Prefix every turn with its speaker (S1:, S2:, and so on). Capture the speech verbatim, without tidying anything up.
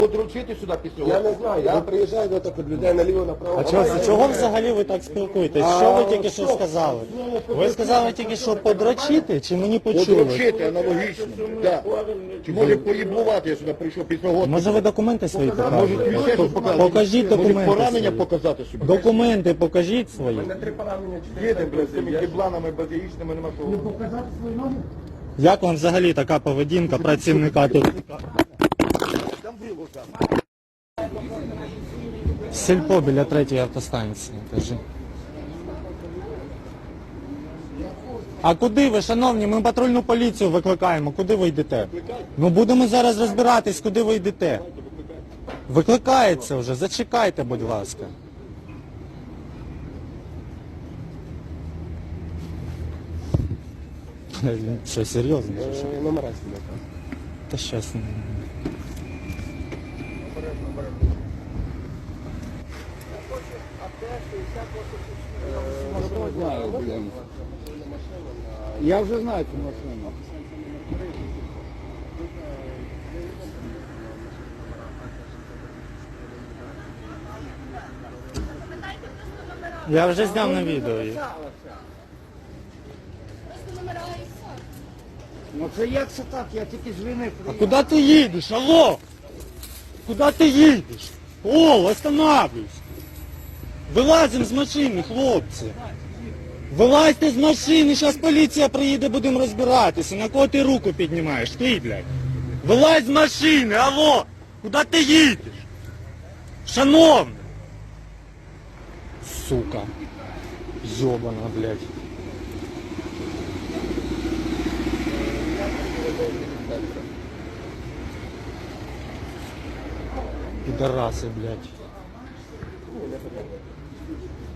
S1: Подручити сюди після
S2: Я не знаю, я приїжджаю до таких людей наліво-направо.
S3: А чого, чого взагалі ви так спілкуєтесь? Що ви тільки що сказали? Ви сказали тільки що подрочити, чи мені почули?
S1: Подручити аналогічно. Так. Чи може поїблувати, я сюди прийшов після години.
S3: Може ви документи свої
S1: Може
S3: покажете?
S1: ще щось показати.
S3: Покажіть
S1: Може
S3: документи
S1: поранення
S3: свої.
S1: показати собі.
S3: Документи покажіть свої.
S2: Три поранення, чотири.
S1: Їдемо, блядь, з цими кібланами базіїчними нема кого.
S3: Як вам взагалі така поведінка працівника тут? Сільпо біля третьої автостанції, кажи. А куди ви, шановні? Ми патрульну поліцію викликаємо. Куди ви йдете? Ну будемо зараз розбиратись, куди ви йдете. Викликається вже, зачекайте, будь ласка. Він що, серйозно? чи що?
S2: Е, Номера знімати.
S3: Та щас.
S4: Я вже знаю цю машину.
S3: Я вже зняв на відео їх.
S4: Ну це як це так? Я тільки з війни
S3: А
S4: приїхав.
S3: куди ти їдеш, алло? Куди ти їдеш? О, останавливайся. Вилазимо з машини, хлопці. Вилазьте з машини, зараз поліція приїде, будемо розбиратися. На кого ти руку піднімаєш? Ти, блядь. Вилазь з машини, алло. Куди ти їдеш? Шановний. Сука. Йобана, блядь. Пидорасы, блядь.